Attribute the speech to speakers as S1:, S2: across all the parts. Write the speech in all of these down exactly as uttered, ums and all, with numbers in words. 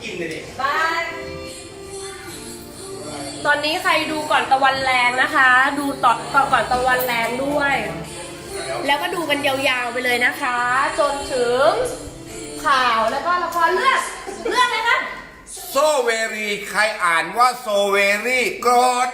S1: กินเลยดิ
S2: บายตอนนี้ใครดูก่อนตะวันแรงนะคะ ดูต่อต่อก่อนตะวันแรงด้วย แล้วก็ดูกันยาวๆไปเลยนะคะ จนถึงข่าวแล้วก็ละครเรื่องเรื่องอะไรคะ
S3: โซเวรีใครอ่านว่าโซเวรีโกรธ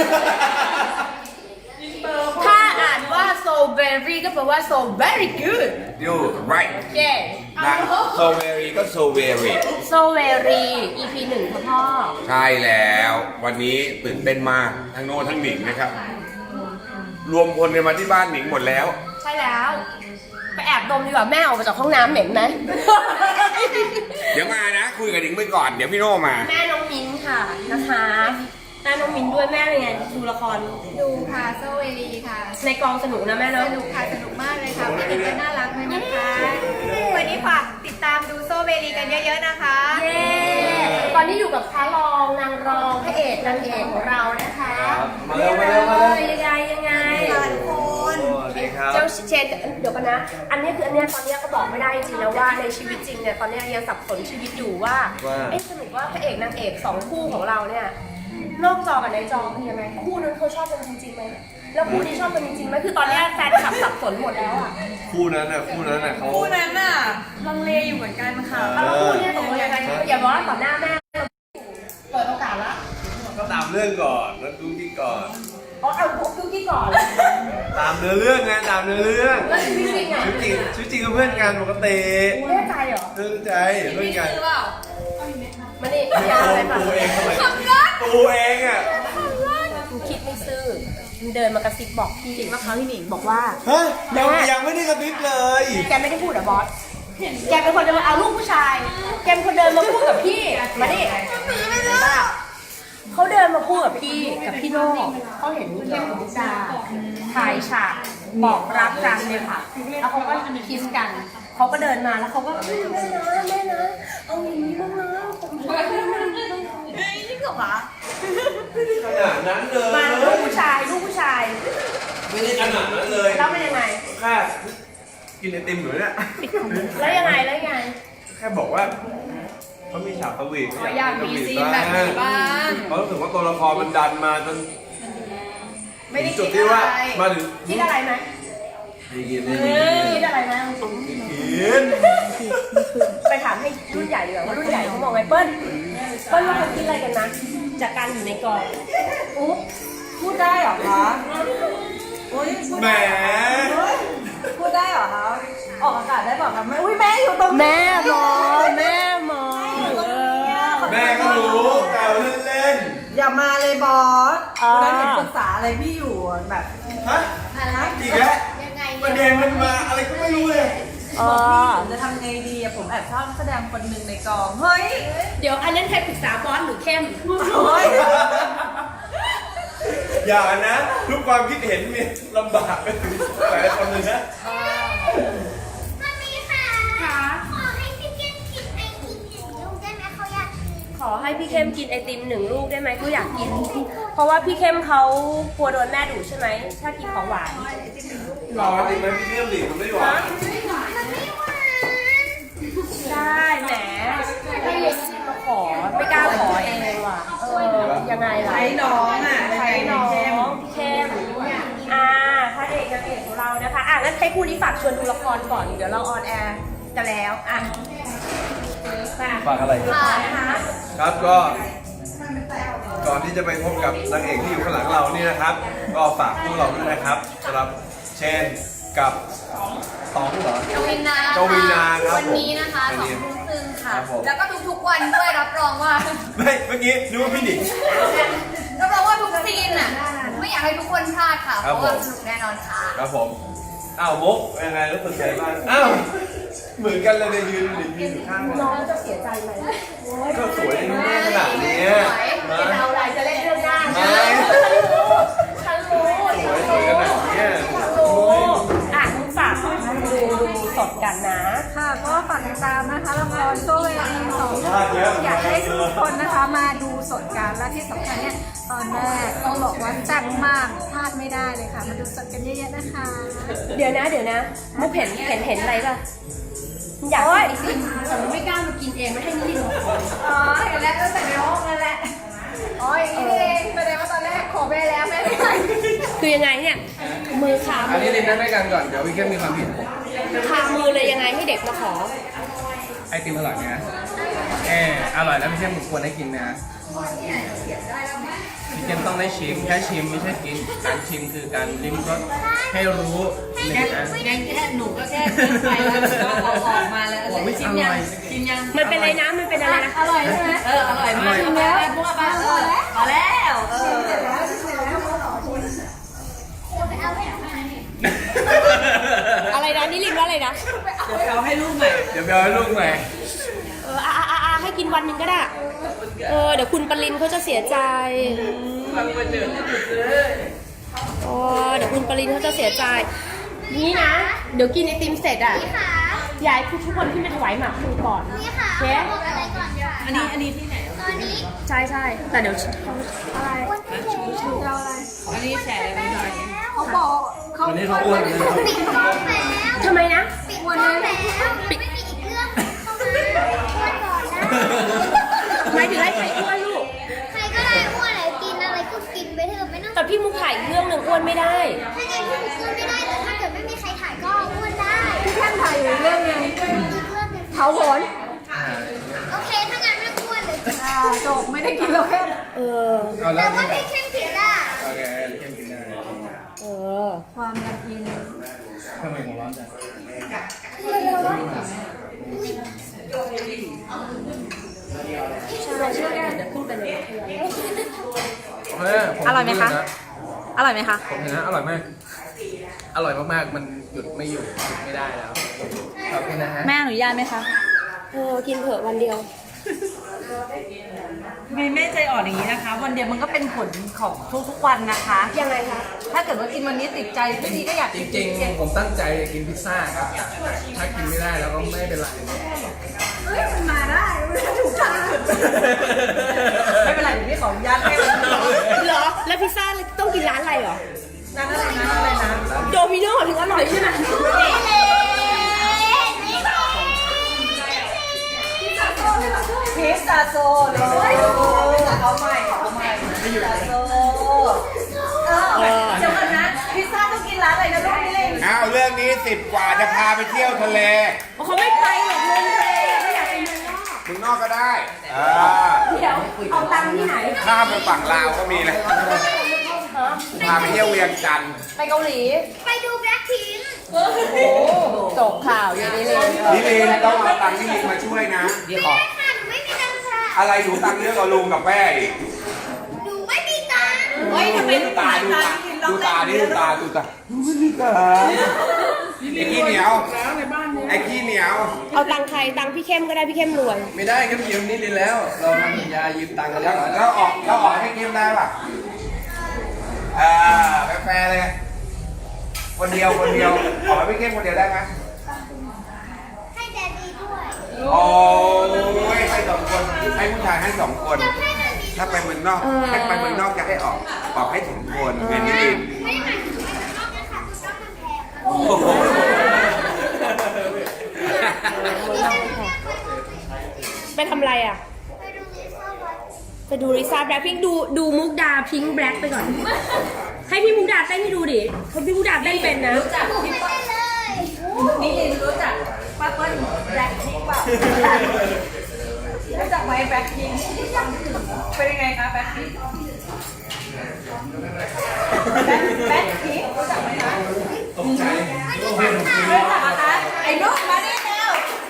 S2: ถ้าอ่านว่า so very ก็แปลว่า so very good
S3: ยู right
S2: เย้
S3: นะโซเวรีก็โซเวรี
S2: so very อี พี หนึ่งค่ะพ่อ
S3: ใช่แล้ววันนี้ตื่นเต้นมากทั้งโน่ทั้งหนิงนะครับ รวมพลกันมาที่บ้านหนิงหมดแล้ว
S2: ใช่แล้ว ไปแอบดมดีกว่าแม่ออกมาจากห้องน้ำเหม็นไหม
S3: เดี๋ยวมานะคุยกับหนิงไปก่อนเดี๋ยวพี่โน่มา
S2: แม่น้องมิ้นค่ะนะคะแม่น้องมิ้นด้วยแม่เป็นไงดูละคร
S4: ดูค่ะโซเวลีค่ะ
S2: ในกองสนุกนะแม่
S4: ส
S2: เนาะ
S4: นุกค่ะสนุกมากเลยค่ะพี่หนิงก็น่ารักด้วยนะคะวันนี้ฝากติดตามดูโซเวลีกันเยอะๆนะคะ
S2: เย้ตอนนี้อยู่กับพระรองนางรองพระเอกนางเอกของเรานะคะ
S1: มาเร็วมาเร็วมาเร็ว
S2: ยังไงยังไง
S4: ทุกคน
S1: สวัสดีครับ
S2: เจ้าเชนเดี๋ยวกันนะ อันนี้คืออันเนี้ยตอนเนี้ยก็บอกไม่ได้จริงๆนะว่าในชีวิตจริงเนี่ยตอนเนี้ยยังสับสนชีวิตอยู่ว่า
S1: ว่า
S2: เอ๊ะสรุปว่าพระเอกนางเอกสองคู่ของเราเนี่ยนอกจอกับในจอเป็นยังไงคู่นั้นเขาชอบกันจริงๆไหมแล้วคู่นี้ชอบกันจริงๆไหมคือตอนเนี้ยแฟนคลับสับสนหมดแล้วอ่ะ
S1: คู่นั้นน่ะคู่นั้นน่ะเขา
S4: คู่นั้นน่ะลังเลอยู่เหมือนกันค่ะ
S2: แล้วคู่เนี้ยตกลงยังไงอย่าบอกว่าต่อหน้าแม่เปิดโอกาสละ
S1: ก็ตามเรื่องก่อนแล้วดูที่ก่อน
S2: อ๋อเอาพวกดูที่ก่อน
S1: ตามเนื้อเรื่องไงตามเนื้อเรื่อง
S2: แล้วชีวิตจริงอ่ะ
S1: ชีวิตจริงชีวิตจริงก็เพื่อนกันปกติ
S2: แน่ใจเหรอ
S1: เพื่อนใจเพื่อนกัน
S4: ซื้อเปล่า
S2: มานี่อย่าอะไรป่ะ
S1: ตูเองทำไมตูเองอ่ะ
S2: มึงคิดไม่ซื่อมึงเดินมากระซิบบอกพี่จริงว่าเขาพี่หนิงบอกว่า
S1: ฮะยังยังไม่ได้กระพริบเลย
S2: แกไม่ได้พูดเหรอบอส แกเป็นคนเดินมาเอาลูกผู้ชาย แกเป็นคนเดินมาพูดกับพี่ มาดิเขาเดินมาพูดกับพี่กับพี่โน่เขาเห็นเข้มกับมุกดาถ่ายฉากบอกรักกันเลยค่ะ แล้วเขาก็คิสกัน เขาก็เดินมาแล้วเขาก็แม่นะแม่นะเอาอย่างนี้บ้างนะผมช่วยแม่นะ
S4: เฮ้ยจริงเหรอคะ
S1: ขนาดนั้นเลย
S2: มาลูกผู้ชายลูกผู้ชาย
S1: ไม่ได้ขนาดนั้นเลย
S2: แล้วเป็นยังไง
S1: แค่กินไอติมอยู่เนี่ย
S2: แล้วยังไงแล้วยังไง
S1: แค่บอกว่าเขามีฉากสวีท
S4: อ๋ออยากมีซีนแบบนี้บ้าง
S1: เขารู้สึกว่าตัวละครมันดันมาจน
S4: ไม่ได้
S1: จุ
S4: คิ
S1: ด
S4: ด
S1: ที่
S4: อะ
S1: ว่า
S4: ไร
S1: มาถึง
S2: คิดอะไรไหม
S1: ไม่กินไม่
S2: คิดอะไรไหม
S1: กิน
S2: ไปถามให้รุ่นใหญ่ดีกว่าว่ารุ่นใหญ่เขามองไงเปิ้ลเปิ้ลว่าเขาคิดอะไรกันนะจากการอยู่ในกองอุ๊บพูดได้เหรอคะโอ้ยพูด
S1: แหม
S4: พูดได้เหรอคะออกอากาศได้เปล่าคะแม่อุ้ยแม่อยู่ตรงนี้
S2: แม่มองแม่มอง
S1: แม่ก็รู้แต่เล่น
S4: อย่ามาเลยบอสเราเห็นปรึกษาอะไรพี่อยู่แบบ
S1: ๆฮะ
S4: อะไร
S1: อีกแล้วประเด็นมันมาอะไรก็ไม่รู้เลย
S2: อ๋อ
S4: ผมจะทำไงดีอะผมแอบชอบนักแสดงคนหนึ่งในกองเฮ้ย
S2: เดี๋ยวอันนั้นใครปรึกษาบอสหรือเข้ม
S4: โอ้ย
S1: อย่านะทุกความคิดเห็นมีลำบากไปถึงหลายคนเลยนะ
S5: มันมีค่ะขอให้พี่เกมกินไอติมหนึ่งลูกได้ไหมเขาอยากกิน
S2: ขอให้พี่เข้มกินไอติมหนึ่งลูกได้ไหมเขาอยากกิน เพราะว่าพี่เข้มเขากลัวโดนแม่ดุใช่ไหมถ้ากินของหวาน
S1: รอจริงไหมพี่เรื่องหลีมันไม่หวาน
S5: มันไม่หวาน
S2: ได้แหมให้เย็นมาขอไม่กล้าขอเองว่ะเออยังไงล่ะ
S4: ใช้น้องอ่ะ
S2: ใช้น้องเข้มอ่าพระเอกนางเอกของเรานะคะอ่ะงั้นให้คู่นี้ฝากชวนดูละครก่อนเดี๋ยวเราออนแอร์กันแล้วอ่ะ
S1: ฝากอะไร
S2: ค่ะนะคะ
S1: ครับก็ก่อนที่จะไปพบกับนางเอกที่อยู่ข้างหลังเรานี่นะครับ ก็ฝากพวกเราด้วยนะครับสำหรับเชนกับตองเหรอ
S6: กวินนา
S1: กวินนาครับ
S6: วันนี้นะคะ
S1: ผม
S6: สองทุ่มครึ่งค่ะ
S1: ครับผม
S6: แล้วก็ทุกๆวันด้วยรับรองว่า
S1: ไม่เมื่อกี้นึกว่าพี่หนิง
S6: รับรองว่าทุกซีนอ่ะ ไม่อยากให้ทุกคนพลาดค่ะ เพ
S1: ครับ
S6: ราะว่า
S1: ผม
S6: สนุกแน่นอนค่ะ
S1: ครับผมอ้าวมุกยังไงรู้สึกไงบ้างอ้าวเหมือนกันเลยเนี่ยยืนยืนยืนอยู่ข้างกัน
S2: น้องจะเสียใจไหม
S1: ก็สวยในรูปขนาดเนี้ยมา
S2: จะเอาอะไรจะเล่นเรื่องหน้า
S1: ไม่
S2: ฉันรู้ฉันรู้
S1: สวยสวยขนาดเนี้ย
S2: ฉันรู้อ่ะมึงฝากดูดูสดกันนะ
S4: ค่ะก็ฝากติดตามนะคะละครโซเวลีสองอยากให้ทุกคนนะคะมาดูสดกันและที่สำคัญเนี่ยตอนแรกต้องบอกว่าแซ่บมากพลาดไม่ได้เลยค่ะ มาดูสดกันเยอะๆนะคะ
S2: เดี๋ยวนะเดี๋ยวนะมุกเห็นเห็นเห็นอะไรป่ะอยากกินไอติมแต่มันไม่กล้ามากินเองไม่ให้นิรินมาขอ
S4: อ๋ออย่างนี้เองแสดงว่าตอนแรกขอแม่แล้วแม่ไม่ให้
S2: คือยังไงเนี่ยมือขา
S7: อันนี้ลินนั่งด้วยกันก่อน เดี๋ยวพี่เข้มมีความผิด
S2: ขามือเลยยังไงให้เด็กมาขอ
S7: ไอติมอร่อยไหมนะเอออร่อยแล้วพี่เข้มควรได้กินนะพี่เข้มต้องได้ชิมแค่ชิมไม่ใช่กิน การชิมคือการลิ้มรสให้รู้หนึ่งนะ
S6: แค่แค่หนูก็แค่เพิ่มไปแล้วก็เอาออกมาแล้ว
S7: โอ้ไม่
S6: ชิ
S7: อ
S6: มยั
S7: ร่
S6: ง
S7: อย
S6: ชิมยัง
S2: มันเป็นอะไรนะมันเป็นอะไรนะ
S4: อร่อยใช่ไหม
S6: เอออร่อยมากชิมแล้วพวกบ้าเออพอแล้วเออ
S2: อะไรนะนี่ลินว่าอะไรนะ
S6: เอาให้ลูกใหม่
S7: เดี๋ยวไปเอาให้ลูกใหม่
S2: เอออ่ะอ่ะอ่ะอ่ะให้กินวันหนึ่งก็ได้เออเดี๋ยวคุณปรินเขาจะเสียใจโอ้เดี๋ยวคุณปรินเขาจะเสียใจนี่นะเดี๋ยวกินไอติมเสร็จอ่ะ
S5: พี่ขา
S2: อยากให้ทุกคนขึ้นไปถวายหมากพลูก่อน
S5: พี่ขา
S2: เค้ก
S5: บอกอะไรก่อนค่ะ
S6: อันนี้อันนี้ที่ไหน
S5: ตอนนี้
S2: ใช่ใช่แต่เดี๋ยวอะไร
S5: วันที่แล้ว
S6: อันนี้แชร์อะไรไม่ได้
S4: เขาบอกเขา
S7: วันนี้เขาอ้วนเลยนะครับ
S5: ปิดกล้องแล้ว
S2: ทำไมนะ
S5: ปิดกล้องแล้วไม่มีอีกเรื่องเข้ามาอ้วนก่อนนะ
S2: หมายถึงให้ใครอ้วนลูก
S5: ใครก็ได้อ้วนอะไรกินอะไรก็กินไปเถอะไม่ต้อง
S2: แต่พี่มุกถ่ายเรื่องหนึ่งอ้วนไม่ได้
S5: ถ้าไงพี่อ้วนไม่ได้แต่ถ้าเกิดไม่มีใครถ่ายก็อ้วนได้
S4: พี่แค่ถ่ายอยู่เรื่องนึง
S5: อีกเรื่องหนึง
S4: เผาโหน
S5: โอเคถ้างั้นไม่อ้วนเลย
S4: อ่าจบไม่ได้กินแล้วแค่
S2: เออ
S7: เอาแล้
S5: แต่
S7: ว
S5: ว่า
S7: นี่
S5: พี่เข้มผิดอ่ะ
S7: โอเคเข้มกินได้
S2: เออ
S4: ความละเอียด
S7: ทำไมหัวร้อนจัง
S2: ใช่ใช่เดี๋ยวขึ้นไปเลย
S7: เออผม
S6: อร่อยไหมคะ อร่อยไหมคะ
S7: ผมเห็นนะอร่อยมาก อร่อยมากๆ มันหยุดไม่อยู่หยุดไม่ได้แล้ว ขอบคุณนะฮะ
S6: แม่อนุญาตไหมคะ
S2: เออกินเถอะวันเดียว
S6: ไม่แม่ใจอ่อนอย่างนี้นะคะ วันเดียวมันก็เป็นผลของทุกๆวันนะคะ
S2: ยังไงคะ
S6: ถ้าเกิดว่ากินวันนี้ติดใจพรุ่งนี้ก็อยาก
S7: จ
S6: กิน
S7: ริงๆ ผมตั้งใจจะกินพิซซ่าครับ ถ้ากินไม่ได้แล้วก็ไม่เป็นไร
S4: เฮ้ยมันมาได้มันถูกทาง
S6: ไม่เป็นไรเดี๋ยวพี่ขออนุญาตให้วันนี้
S2: เหรอ แล้วพิซซ่าต้องกินร้านอะไรเหรอ
S6: นั่นอะไรนะอะไรนะ
S2: โดมิโน่ถึงอร่อยใช่ไหม
S6: พิซซ่าโซเลยเอาใหม่เอาใหม่พิซซ่าโซเออเดี๋ยวก่อนนะพิซซ่าต้องกินร้านอะไรนะลูกนี่เลย
S3: อ้าวเรื่องนี้สิบกว่าจะพาไปเที่ยวทะเล
S2: เขาไม่ไปหรอกลงทะเลเขาอยากไปเมืองนอก
S3: มึงนอกก็ได้อ่า
S2: เดี๋ยวเอาตังค์ที่ไหน
S3: ข้ามไปฝั่งลาวก็มีนะพาไปเที่ยวเวียงจันทร์
S2: ไปเกาหลี
S5: ไปดูแบล็คพิงค์
S2: โอ้จบข่าวอย่างนี้เลย
S3: นี่ลินต้องเอาตังค์ที่ลินมาช่วยนะขอ
S5: ค่ะหนูไม่มีตังค์ค่ะ
S3: อะไรหนูตังค์เยอะกว่าลุงกับแม่อีก
S5: หนูไม่มีตังค์
S6: เฮ้ยทำไม
S3: ดูตาดูตาดูตานี่ดูตาดูตาไอ้ขี้เหนียวไอ้ขี้เหนียว
S2: เอาตังค์ใครตังค์พี่เข้มก็ได้พี่เข้มรวย
S7: ไม่ได้ครับยืมนี่ลินแล้ว เราทำสัญญายืมตังค์กัน
S3: แล้
S7: แล้ว ว
S3: แล้วออกแล้วออกให้กิมได้ป่ะอ่าแฟร์เลย คนเดียวคนเดียวออกให้พี่เข้มคนเดียวได้ไหม
S5: ให้แดดดีด้วย
S3: โอ้ยให้สองคนให้ผู้ชายให้สองคน
S5: จะให้แดดดี
S3: ถ้าไปเมืองนอกถ้าไปเมืองนอกจะให้ออกออกให้ถึงคนไงนี่ลิน
S5: ไม่ได้หมายถึงไปข้างนอกนะคะคุณต้องมันแพง
S3: โอ้โห
S2: ไปทำอะไรอ่ะ
S5: ไปดูลิซ่าวัด
S2: ไปดูลิซ่าแบล็คพิงดูดูมุกดาพิงค์แบล็คไปก่อน ให้พี่มุกดาเต้นให้ดูดิเพราะพี่มุกดาเต้นเป็นนะ
S6: รู้จัก
S5: ไม่
S6: พี่
S5: ได้เลย
S6: นี่ลินรู้จักป้าเปิ้ลแบล็คพิงค์เปล่ารู้จักไหมแบล็คพิงค์เป็นยังไงคะแบล็คพิงค์แบล็คพิงค์รู้จักไหมคะ
S7: ตกใจ
S6: รู้จักนะคะไอ้ลูกมานี่แล้ว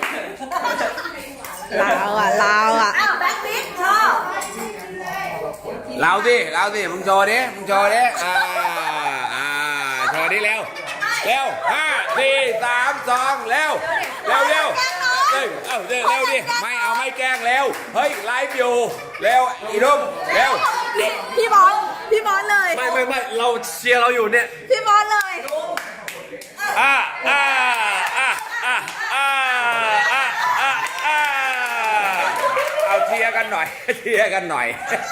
S2: ลาวอ่ะลาวอ่ะ
S6: อ้าวแบล็คพิงค์ชอบ
S3: เราสิเราสิมึงโชว์ดิมึงโชว์ดิอ่าอ่าโชว์ดิเร็วเร็วห้าสี่สามสองเร็วเร็วเร็วเร็วเอ้าเร็วเร็วดิไม่เอาไม่แกล้งเร็วเฮ้ยไลฟ์อยู่เร็วอีนุ่มเร็ว
S6: พี่บอสพี่บอสเลย
S1: ไม่ไม่ไม่เราเชียร์เราอยู่เนี่ย
S6: พี่บอสเลย
S3: อ่าอ่าอ่าอ่าอ่าอ่าอ่าอ่าเอาเชียร์กันหน่อยเชียร์กันหน่อย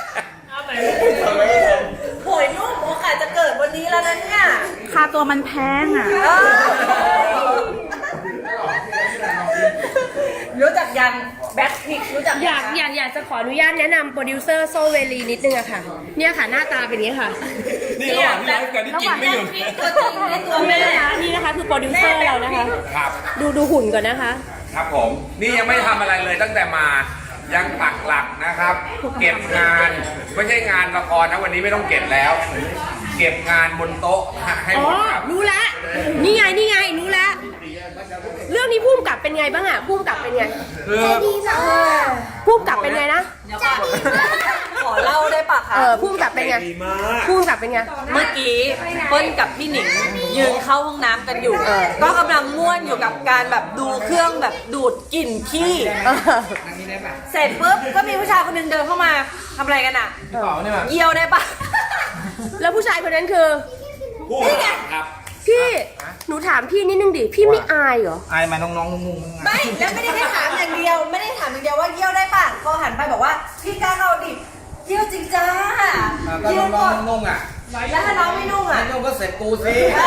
S6: โหยนุ่มโอกาสจะเกิดวันนี้แล้วนะเนี่ยค่าตัวมันแพงอ่ะรู้จักยังแบบ็คพิกรู้จักไหม
S2: อยากอยากอยากจะขออนุญาตแนะนำโปรดิวเซอร์โซเวลีนิดนึงอะค่ะ เนี่ยค่ะหน้าตาเป็นอย่างนี้ค่ะ
S1: นี่ระหว่างที่ไลฟ์กันนี่กินไม่หยุด
S6: ตัวจริงในตัวแม่
S2: นะคะนี่นะคะคือโปรดิวเซอร์เรานะคะ
S3: ครับ
S2: ดูดูหุ่นก่อนนะคะ
S3: ครับผม นี่ยังไม่ทำอะไรเลยตั้งแต่มายังปักหลักนะครับ เก็บงานไม่ใช่งานละครนะวันนี้ไม่ต้องเก็บแล้ว เก็บงานบนโต๊ะให้
S2: อ๋
S3: ห
S2: อ
S3: มดครับ
S2: รู้ละนี่ไงนี่ไงรู้ละเรื่องนี้พุ่มกับเป็นไงบ้างอะพุ่มกับเป็นไง
S1: คือ
S5: ดีมาก
S2: พุ่มกับเป็นไงนะ
S6: ขอเล่าได้ปะคะ
S2: เออพุ่มกับเป็นไง
S1: ดีมาก
S2: พุ่มกับเป็นไง
S6: เมื่อกี้เปิ้ลกับพี่หนิงยืนเข้าห้องน้ำกันอยู่ ก็กำลังม่วนอยู่กับการแบบดูเครื่องแบบดูดกลิ่นขี้
S2: เออ
S6: เสร็จปุ๊บก็มีผู้ชายคนหนึงเดินเข้ามาทำอะไรกันอ่ะ
S7: เปล่าเนี่ยแบบ
S6: เยี่ยวได้ปะ
S2: แล้วผู้ชายคนนั้นคือ
S3: นี่ไงครับ
S2: พี่หนูถามพี่นิดนึงดิพี่ไม่อายเหรอ
S7: อายมาน้องๆงงๆ
S6: ไม่แล้วไม่ได้แค่ถามอย่างเดียว ไม่ได้ถามอย่างเดียวว่าเยี่ยวได้ปะพอหันไปบอกว่าพี่กล้าเอาดิเยี่ยวจริงจ้า
S7: ก็
S6: เยี่ยวหม
S7: น้อง
S6: ด
S7: ๆนุ่งอ่ะ
S6: แล้วถ้าน้องไม่นุ่งอ่ะ
S7: ไม่นุ่งก็เสร็จกูสิ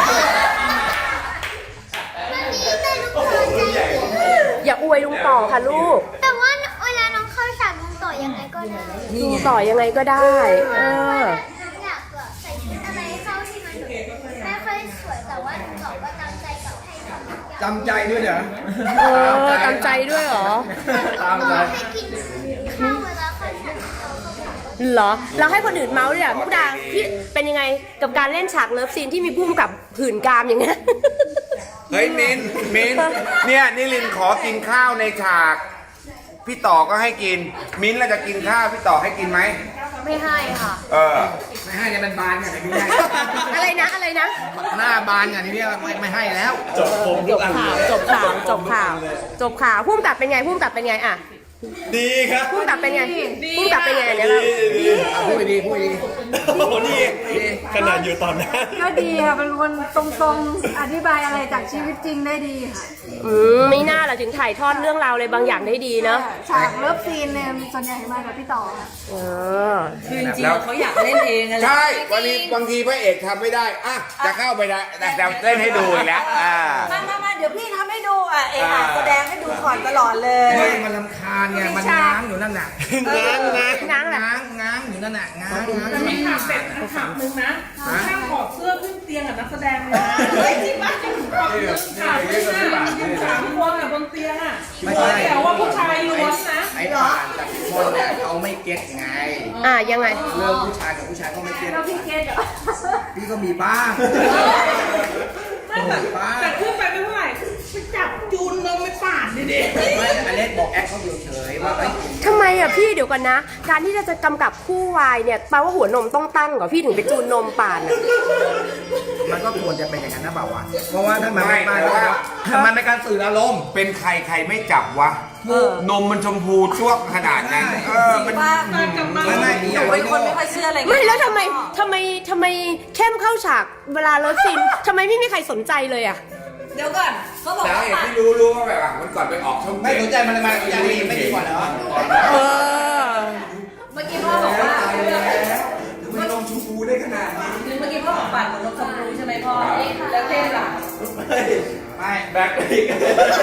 S5: มันดีแต่ลูกค้าใจดี
S2: อย่าอวยลุงต่อค่ะลูก
S5: แต่ว่าเวลาน้องเข้าฉากน้องต่อยังไงก็ได้
S2: ลุงต่อยังไงก็ได้เออ
S5: อยากแบบใส่ชุดอะไรเข้าที่มันไม่ค่อยสวยแต่ว่าน้องต่อก็ตั้งใจกับให้ทำทุกอย่าง
S7: จำใจด้วยเดี๋ยว
S2: เออตามใจด้วยเหรอ
S7: ตามใจ
S5: ให้กินข้าวเวลาเข้าฉากเขาเขาบอกว่า
S2: เหรอเราให้คนอื่นเมาส์เลยอะมุกดาพี่เป็นยังไงกับการเล่นฉากเลิฟซีนที่มีพุ่มกับผื่นกรามอย่างเงี้ย
S3: เฮ้ยมินมินเนี่ยนิลินขอกินข้าวในฉาก พี่ต่อก็ให้กิน มิ้นท์เราจะกินข้าวพี่ต่อให้กินไหม
S2: ไม่ให้ค่ะ
S3: เออ
S7: ไม่ให้เนี่ยมันบานไงไม่ให้
S2: อะไรนะอะไรนะ
S7: หน้าบานไงนี่เนี่ยไม่ไม่ให้แล้ว
S1: จบผม
S2: จ
S1: ทุก
S2: บ
S1: อัน
S2: ข่าว
S1: เลย
S2: จบข่าวจบข่าวจบข่าวพุ่มกับเป็นไงพุ่มกับเป็นไงอะ
S1: ดีครับ
S2: พุ่มกับเป็นไงพุ่มกับเป็นไงเนี่ยเรา
S1: ดีดี
S7: พูดดีพูดดี
S1: โอ้โหนี่ขนาดอยู่ตอนนั้น
S4: ก็ดีค่ะเป็นคนตรงๆ อธิบายอะไรจากชีวิตจริงได้ดีค่ะ
S2: อืมไม่น่าเราถึงถ่ายทอดเรื่องราวอะไรบางอย่างได้ดีเนาะ
S4: ฉากเลิฟซีนเนี่ยส่วนใหญ่มากับพี่ต่อค่ะ
S2: เออ
S6: คือจริงๆเขาอยากเล่นเองอะไร
S3: ใช่วันนี้บางทีพระเอกทำไม่ได้อ่ะจะเข้าไปได้แต่จะเล่นให้ดูอีกแล้วอ่า
S6: มามามาเดี๋ยวพี่ทำให้ดูอ่ะเองอ่ะแสดงให้ดูก่อนตลอดเลย
S7: ไม่มันลำคาญไงมันง้างอยู่นั่นน่ะ
S1: ง้างง้าง
S2: ง้างแหละ
S7: ง้างง้างอยู่นั่นน่ะง้างง้าง
S8: แต่มีข่าวเสร็จข่าวหนึ่งนะห้ามถอดเสื้อขึ้นเตียงกับนักแสดงเลยนะจริงปะจริงถอดเสื้อข่าวขึ้นนะสามคนอ่ะบนเตียงอ่ะแต่ว่าผู้ชายล้วนนะ
S7: ไอ้ผ่านกับคนเนี่ยเขาไม่เก็ตไง
S2: อ่ะยังไง
S7: เรื่องผู้ชายกับผู้ชายก็ไม่เก็ต
S4: แล้วพี่เกดเหรอ
S7: พี่ก็มีบ้าง
S8: ไม่แต่แต่ขึ้นไปไม่เท่าไหร่ไปจับจูนนมไม่ป่านดิเด็ก
S7: ไม่อเล็กบอกแอคเขาเฉยๆว่าไอ้ย
S2: ทำไมอ่ะพี่เดี๋ยวก่อนนะ การที่จะจะกำกับคู่วายเนี่ยแปลว่าหัวนมต้องตั้งเหรอพี่ถึงไปจูนนมป่านอ่ะ
S7: มันก็ควรจะเป็นอย่างนั้นนะเปล่าวะเพราะว่าถ้ามันไม่
S3: ไม่
S7: มา
S3: แต่ว่า
S7: มันในการสื่ออารมณ์
S3: เป็นใครใครไม่จับวะนมมันชมพูจ้วกขนาดนั้นเออมัน
S6: ว่า
S7: ไม่ไม่
S6: หนูเป็นคนไม่ค่อยเชื่ออะไร
S2: ไม่แล้วทำไมทำไมทำไมเข้มเข้าฉากเวลาเลิฟซีนทำไมไม่มีใครสนใจเลยอ่ะ
S6: เดี๋ยวก่อนเขาบอก
S3: แล้ว
S6: ว่า
S3: เอกที่รู้รู้ว่าแบบอ่ะมันก่อนไปออกช่อง
S7: ไม่
S3: เจ็ด
S7: สนใจมันเลยมาอย่างนี้ไม่ดีกว่าเหรอ
S2: เออ
S6: เมื่อกี้พ่อบอกว่า
S3: มันนมชมพูได้ขนาดนี้
S6: เมื่อกี้พ่อบอกปั่นเหมือนนมชมพูใช่ไหมพ่อแล้วเท่ล่ะ
S7: ไม่
S1: แบ็คพิก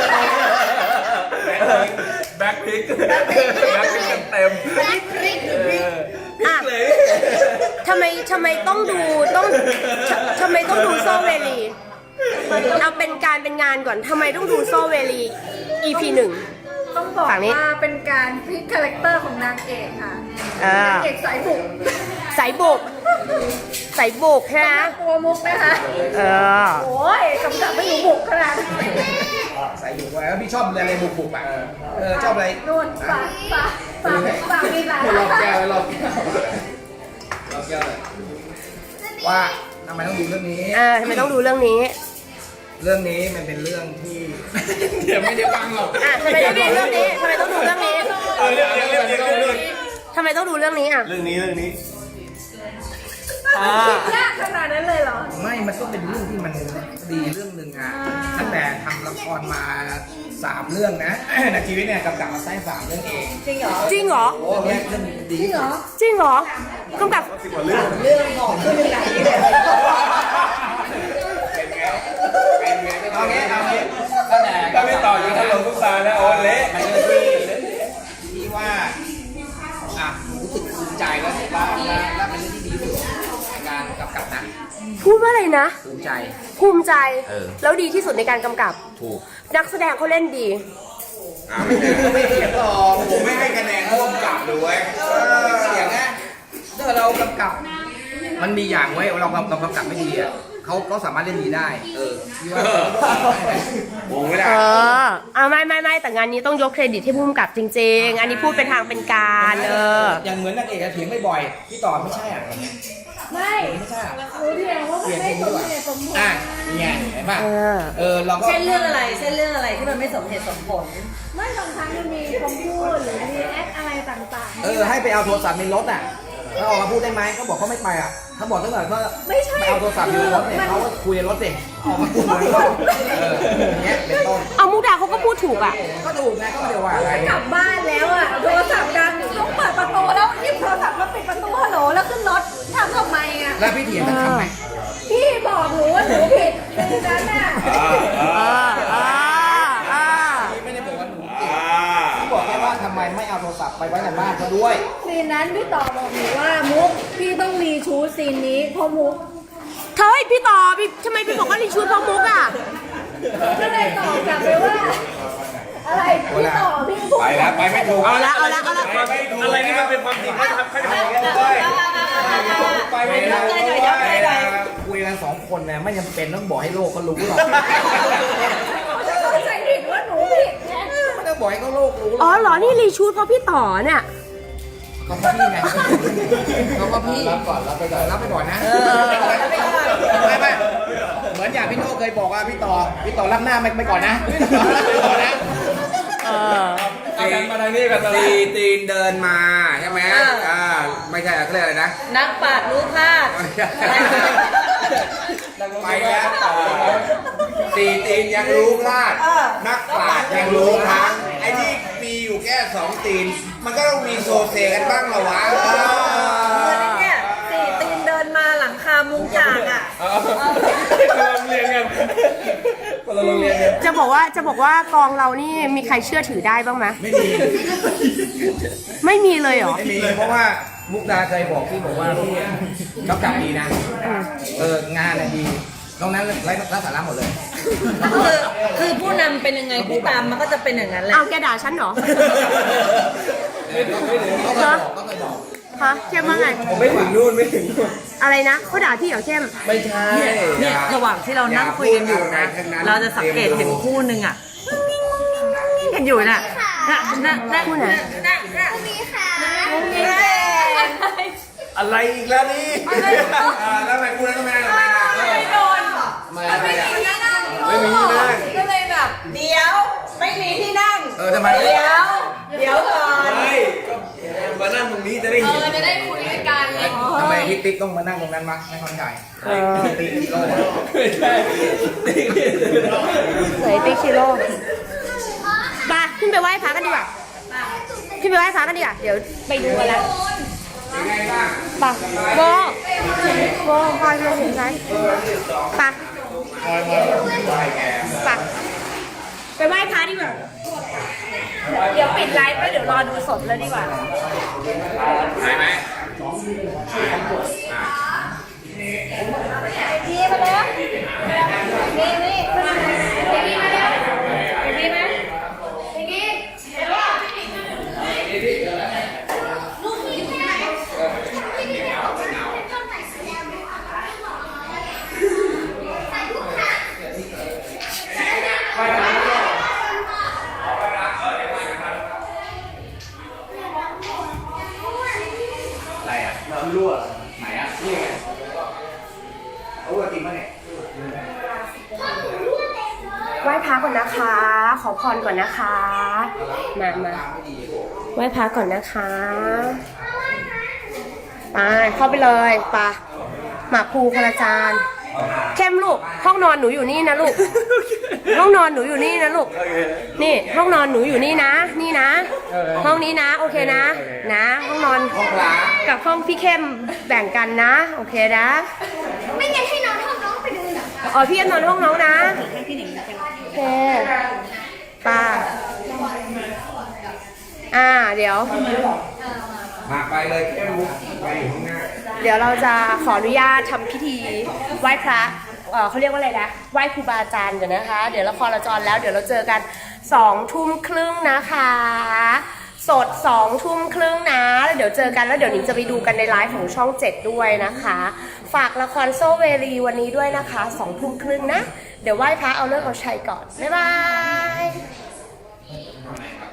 S1: แบ็คพิกแบ็คพิกแบ็คพิกเต็ม
S2: อ่ะทำไมทำไมต้องดูต้องทำไมต้องดูโซเวลีเอาเป็นการเป็นงานก่อนทำไมต้องดูโซเวลี อี พี หนึ่ง
S4: ต้องบอก
S2: ฝั่งนี้
S4: ว่าเป็นการพลิกคาแรคเตอร์ของนางเอกค่ะ
S2: อ่าน
S4: างเอกสายบุก
S2: สายบุกสายบุกใช่ไหม
S4: ตัวมุกนะคะ
S2: เออ
S4: โอ้ยกำกับไม่รู้บุกขนาดนั้น
S7: ใส่อยู่ไว้แล้วพี่ชอบอะไรบุกๆอ่ะเออชอบอะไร
S4: นู่นฝากฝากฝากฝากมีหลาย
S7: รอบแก้วรอบแก้วรอบแก้วเลยว่าทำไมต้องดูเรื่องนี้
S2: อ่าทำไมต้องดูเรื่องนี้
S7: เรื่องนี้มันเป็นเรื่องที่เดี๋ยวไม่ได้ฟังหรอก
S2: อ่ะทำไมต้องดูเรื่องนี้ทำไมต้องดูเรื่องนี้
S1: เออเรื่องเรื่องเรื่องเรื่องเรื่อง
S2: ทำไมต้องดูเรื่องนี้อ่ะ
S1: เรื่องนี้เรื่องนี้
S4: ยากขนาดนั้นเลยเหรอ
S7: ไม่มันก็เป็นเรื่องที่มันดีเรื่องหนึ่งอ่ะตั้งแต่ทำละครมาสามเรื่องนะ ในชีวิตเนี่ยกำกับมาได้สามเรื่องเอง
S6: จริงเหรอ
S2: จริงเหรอ
S7: โอ้เนี่ยเรื่องดีจริงเหรอ
S2: จริงเหรอกำกับ
S6: เรื่องบอกขึ้นเป็นไหนเนี่ย
S7: เอางี้เอางี้ตั้งแต่
S1: ถ้าไม่ต่ออยู่ถล่มทุกตาแล้วโอ้เละ
S7: ไปเรื่องที่อ่ะรู้สึกภูมิใจแล้วแล้วแล้วแล้วเป็นเรื่องที่ดีที่สุดในการกำกับนะ
S2: พูดว่าอะไรนะ
S7: ภูมิใจ
S2: ภูมิใจ
S7: เออ
S2: แล้วดีที่สุดในการกำกับ
S7: ถูก
S2: นักแสดงเขาเล่นดี
S3: อ่ะไม่เถียงไม่เถียงหรอกผมไม่ให้คะแนนร่วมกับเลยเว้ย
S7: เสียงนะถ้าเรากำกับ มันมีอย่างไว้เราเรากำกับไม่ดีอ่ะเขาเขาสามารถเล่นดีได้ เออพี่ว่า
S3: โอ้ไม่ได้
S2: เออเอาไม่ไม่ไม่แต่งานนี้ต้องยกเครดิตให้ผู้กำกับจริง ๆ อันนี้พูดเป็นทางเป็นการเออ
S7: อย่างเหมือนนางเอกอะเถียงบ่อยๆพี่ต่อไม่ใช่อ่ะ
S4: ไม่
S7: ไม่ใช่อ่ะ
S4: รู้เดียวว่ามันไม่สมเหตุสมผล
S7: อ่ะนี่ไงเห็นป่ะ
S2: เออ
S7: เออเราก็
S6: เช่นเรื่องอะไรเช่นเรื่องอะไรที่มันไม่สมเหตุสมผล
S4: ไม่บางครั้งมันมีคำพูดหรือมีแอคอะไรต่างๆ
S7: เออให้ไปเอาโทรศัพท์ในรถอ่ะเขาออกมาพูดได้ไหมเขาบอกเขาไม่ไปอ่ะเขาบอกตั้งแต่ว่า
S4: ไม่ใช่
S7: ไปเอาโทรศัพท์อยู่ในรถเนี่ยเขาก็คุยในรถสิออกมาพูดในรถเอออย่างเงี้ยเป็นต้น
S2: เอามุกดาเขาก็พูดถูกอ่ะ
S7: ก็ถูกไงก็ไม่ได้ว่าอะไร
S4: กลับบ้านแล้วอ่ะโทรศัพท์ดังต้องเปิดประตูแล้วหยิบโทรศัพท์มาปิดประตูฮัลโหลแล้วขึ้นรถทำทำไมอ่ะ
S7: แล้วพี่เถียงกันทำไม
S4: พี่บอกหนูว่าหนูผิดคือนั้นน่ะ
S2: เออเออเออ
S7: พี่ไม่ได้บอกว่าหนู
S3: อ่า
S7: พี่บอกแค่ว่าทำไมไม่เอาโทรศัพท์ไปไว้ในบ้านเขาด้วย
S4: ซีนนั้นพี่ต่อบอกหนูว่ามุกพี่ต้องรีชูดซีนนี้เพราะมุก
S2: เฮ้ยพี่ต่อพี่ทำไมพี่บอกว่ารีชูดเพราะมุกอ่ะ
S4: ก็เลยตอบกลับไปว่า อะไรพี่ต่อพี่พูด
S3: ไปแล้วไปไม่ถูก
S2: เอาละเอาละเอาละ
S3: ไปไม่ถูก
S1: อะไรที่มันเป็นความจริงเขาจะทำเขาจะทำอย่างนี้เลย
S3: ไปไม่ถูก
S7: คุยกันสองคนเนี่ยไม่จำเป็นต้องบอกให้โลกเขารู้หรอก
S4: จะเข้าใจผิดว่าหนูผิดไง
S7: ไม่ต้องบอกให้เขาโลกรู้หร
S2: อ๋
S7: อ
S2: อก เหรอนี่รีชูดเพราะพี่ต่อเนี่ย
S7: เขาก็พี่ไงเขาก็พี่รับก่อนรับไปก่อนรับไปก่อนนะไม่ไม่เหมือนอย่างพี่โน่เคยบอกว่าพี่ต่อพี่ต่อรับหน้าไม่ไปก่อนนะรับไปก่อนนะ
S2: เออ
S3: เอากันมาทางนี้กันตีตีนเดินมาใช่ไหมอ่าไม่ใช่เขาเรียกอะไรนะ
S6: นักปราชญ์รู้พลาด
S3: ไปแล้วตีตีนยังรู้พลาด นักปราชญ์ยังรู้พลังไอ้ที่มีอยู่แค่สองตีน มันก็ต้องมีโซเซกันบ้างเหรอวะ
S6: เนี่ยสี่ตีนเดินมาหลังคามุงจากอ่ะ
S1: เราเรียนกันเราเรียนกัน
S2: จะบอกว่าจะบอกว่ากองเรานี่มีใครเชื่อถือได้บ้างไหม
S7: ไม่มี
S2: ไม่มีเลยเหรอ
S7: ไม่มีเพราะว่ามุกดาเคยบอกพี่บอกว่าพี่กำกับดีนะเอองานน่ะดีตรงนั้นไร้ไร้สาระหมดเลย
S6: คือคือผู้นำเป็นยังไงผู้ตามมันก็จะเป็นอย่างนั้นแหละ
S2: เอาแกด่าฉันเหรอ
S7: เขาเคยบอกเขาเคยบอก
S2: ฮะเข้มว่าไง
S1: ผมไม่ถึงนู่นไม่ถึงนู่น
S2: อะไรนะเขาด่าพี่เหรอเข้ม
S1: ไม่ใช่
S6: เนี่ยระหว่างที่เรานั่งคุยกันอยู่นะ เราจะสังเกตเห็นคู่หนึ่งอ่ะกันอยู่น่ะน่ะน่ะน่ะ
S2: คู่ไหน
S6: น่ะน่ะ
S5: มีค่ะ
S1: อะไรอีกแล้วนี่
S3: อ่าแล้วทำไมพูดแล้วทำไมทำไมล่ะ
S6: ไม่โดน
S3: ไม่ไม่อ่ะ
S1: ไม่มีที่นั่ง
S6: ก็เลยแบบเดี๋ยวไม่มีที่นั่ง
S7: เออทำไม
S6: เดี๋ยวเดี๋ยวก่อน
S1: ไม่ก็มานั่งตรงนี้จะได้เห็น
S2: จะได้คุยด้วยกันเลย
S7: ทำไมพี่ติ๊กต้องมานั่งตรงนั้นมาไม่เข้าใจติ๊กโลก
S1: ไม่ใช่
S2: ไหนติ๊กชิโร่ไปขึ้นไปไหว้พระกันดีกว่าขึ้นไปไหว้พระกันดีกว่าเดี๋ยวไปดูกันแล้ว
S3: เป็นไงบ้าง
S2: ไปโบโบคอยมาถึงไหนไปไปไปไหว้พระดีกว่าเดี๋ยวปิดไลฟ์แล้วเดี๋ยวรอดูสดแล้วดีกว่า
S3: ไหนไหม
S4: พี่มาแล้วนี่นี่มาแล้วพี่มาแล้วพี่มาพี่
S7: อะไรอ่ะน้ำรั่วไหนอ่ะนี่ไงเอาจริงป่ะเนี่ย
S2: ไหว้พระก่อนนะคะ ขอพรก่อนนะคะ มามาไหว้พระก่อนนะคะไปเข้าไปเลยไปหมากภูคนละจานเข้มลูกห้องนอนหนูอยู่นี่นะลูก ห้องนอนหนูอยู่นี่นะลูก นี่ห้องนอนหนูอยู่นี่นะ นี่นะ ห้องนี้นะ โอเคนะ นะ ห้องนอนกับห้องพี่เข้มแบ่งกันนะ โอเคนะ
S5: ไม่งั้นให้น้องห้องน้องไปดูหนัง
S2: อ๋อพี่จะนอนห้องน้องนะโอเคป้าอ่าเดี๋ยว
S3: มาไปเลยแค่มุกไปอยู่ข้างหน้า
S2: เดี๋ยวเราจะขออนุญาตทำพิธีไหว้พระเอ่อเขาเรียกว่าอะไรนะไหว้ครูบาอาจารย์กันนะคะ เดี๋ยวละครเราจรแล้วเดี๋ยวเราเจอกันสองทุ่มครึ่งนะคะสดสองทุ่มครึ่งนะแล้วเดี๋ยวเจอกันแล้วเดี๋ยวหนิงจะไปดูกันในไลฟ์ของช่องเจ็ดด้วยนะคะ ฝากละครโซเวลีวันนี้ด้วยนะคะสองทุ่มครึ่งนะเดี๋ยวไหว้พระเอาเลิกเอาชัยก่อนบ๊ายบาย